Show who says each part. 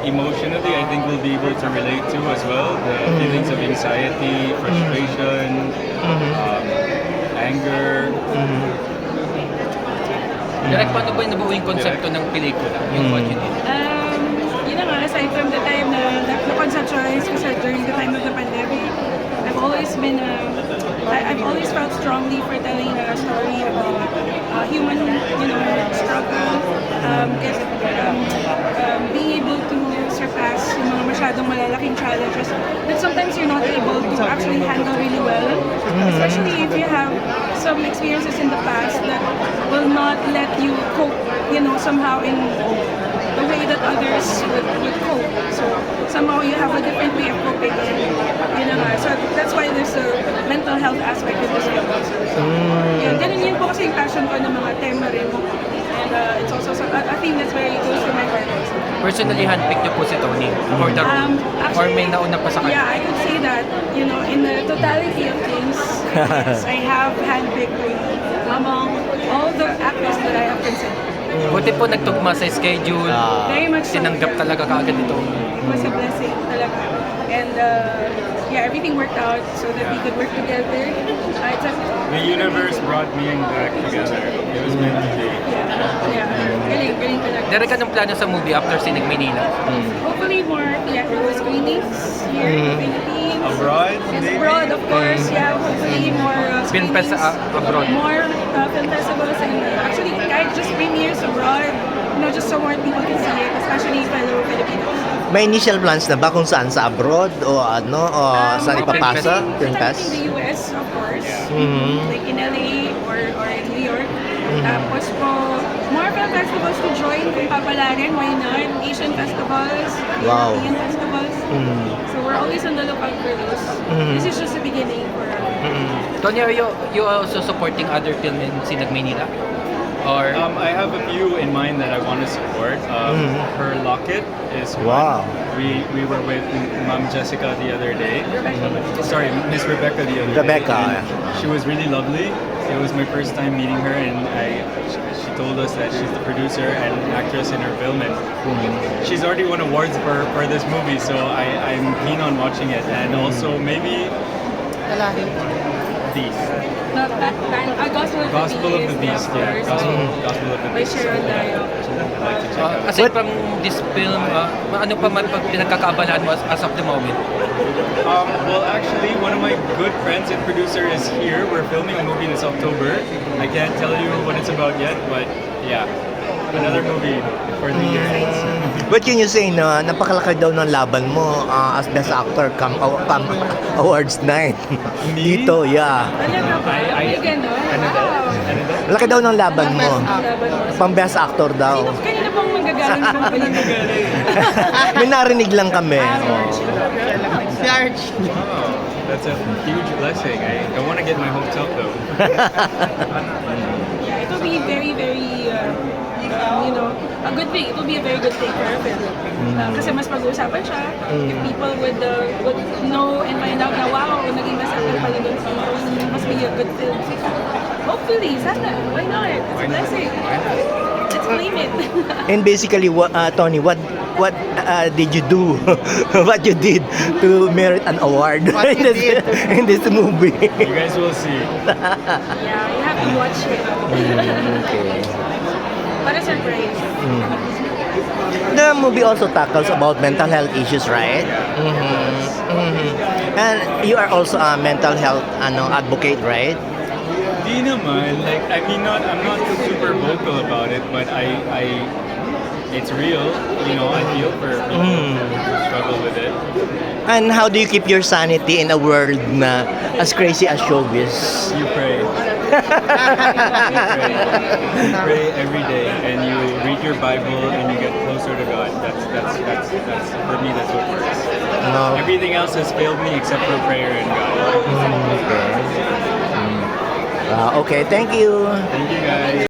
Speaker 1: emotionally, I think we'll be able to relate to as well. The feelings of anxiety, frustration, anger.
Speaker 2: Direk, paano ba yung nabuo yung konsepto ng pelikula? Yung what you did?
Speaker 3: Yun na nga, aside from the time na conceptualize ko siya during the time of the pandemic, I've always been, I've always felt strongly for telling a story about human, struggle, being able to surpass yung mga masyadong malalaking challenges that sometimes you're not able to actually handle really well, especially if you have some experiences in the past that will not let you cope, somehow in the way that others would cope. So somehow you have a different way of coping. So that's why there's a mental health aspect in this film also. Ganun yun po kasi yung passion ko ng mga tema rin. And it's also a theme that's very close to my heart.
Speaker 2: Personally, handpicked niyo po si Tony for the role? Or may nauna pa sa kanya?
Speaker 3: Yeah, I could say that, in the totality of things, yes, I have handpicked among all the actors that I have considered.
Speaker 2: Buti po nagtugma sa schedule.
Speaker 3: Very much so.
Speaker 2: Tinanggap talaga kaagad ito.
Speaker 3: It was a blessing talaga. And everything worked out so that we could work together.
Speaker 1: The universe brought me and Jack together. It was meant to be.
Speaker 3: Yeah. Galing talaga.
Speaker 2: Direk, anong plano sa movie after Sinig Manila?
Speaker 3: Hopefully more theatrical screenings here in the Philippines.
Speaker 1: Abroad,
Speaker 3: Yes,
Speaker 1: maybe?
Speaker 3: abroad, of course. Yeah, hopefully more
Speaker 2: Film
Speaker 3: screenings.
Speaker 2: abroad.
Speaker 3: More film festivals and actually kahit just premieres abroad, just so more people can see it, especially fellow Filipinos.
Speaker 4: May initial plans na ba kung saan sa abroad o saan ipapasa? Film
Speaker 3: Sometimes
Speaker 4: Fest?
Speaker 3: in the US, of course.
Speaker 4: Mhm.
Speaker 3: Like in LA or in New York. Tapos po, more film festivals to join kung papalarin, why not? Asian festivals,
Speaker 4: Wow.
Speaker 3: European festivals. So we're always on the lookout for those. This is just the beginning for us.
Speaker 2: Tony, are you also supporting other film in Sinig Manila? Or
Speaker 1: I have a few in mind that I want to support. Her Locket is one.
Speaker 4: Wow.
Speaker 1: We were with Mom Jessica the other day. Sorry, Miss Rebecca the other
Speaker 4: Rebecca,
Speaker 1: day.
Speaker 4: yeah.
Speaker 1: And she was really lovely. It was my first time meeting her, and she told us that she's the producer and actress in her film, and she's already won awards for this movie. So I'm keen on watching it, and also maybe Beast.
Speaker 3: Gospel of the Beast,
Speaker 1: Yeah,
Speaker 3: of course.
Speaker 1: Gospel of the
Speaker 3: By
Speaker 1: Beast.
Speaker 3: Sharon Dayo.
Speaker 1: I'd like to check out.
Speaker 2: aside from this film, ano pa man pinagkakaabalaan mo as of the moment?
Speaker 1: Well, actually, one of my good friends and producer is here. We're filming a movie this October. I can't tell you what it's about yet, but yeah, another movie for the year ends.
Speaker 4: What can you say na napakalaki daw ng laban mo as best actor come awards night?
Speaker 1: Me?
Speaker 4: Dito, yeah.
Speaker 3: Talaga ba? May ganon?
Speaker 1: Ano daw?
Speaker 3: Wow.
Speaker 1: Ano daw?
Speaker 4: Laki daw ng laban mo.
Speaker 3: Laban mo.
Speaker 4: Pang best actor daw.
Speaker 3: Kanina pang magagaling ng pinagaling.
Speaker 4: May narinig lang kami.
Speaker 1: Wow, that's a huge blessing. I don't want to get my hopes up though.
Speaker 3: Yeah, it will be very, very, a good thing. It will be a very good thing for our film. Kasi mas pag-uusapan siya. If people would know and find out na wow, naging masakit pala doon sa must be a good film. Hopefully, sana. Why not? It's a blessing. Let's claim it.
Speaker 4: And basically, Tony, what did you do? What you did to merit an award in this movie?
Speaker 1: You guys will see.
Speaker 3: Yeah, you have to watch it.
Speaker 4: Okay.
Speaker 3: Para surprise.
Speaker 4: The movie also tackles about mental health issues, right? And you are also a mental health advocate, right?
Speaker 1: Di naman, like, I'm not super vocal about it, but it's real. I feel for people who struggle with it.
Speaker 4: And how do you keep your sanity in a world na as crazy as showbiz?
Speaker 1: You pray. You pray every day, and you read your Bible, and you get closer to God. That's for me. That's what works.
Speaker 4: No.
Speaker 1: Everything else has failed me except for prayer and God.
Speaker 4: Okay, thank you.
Speaker 1: Thank you guys.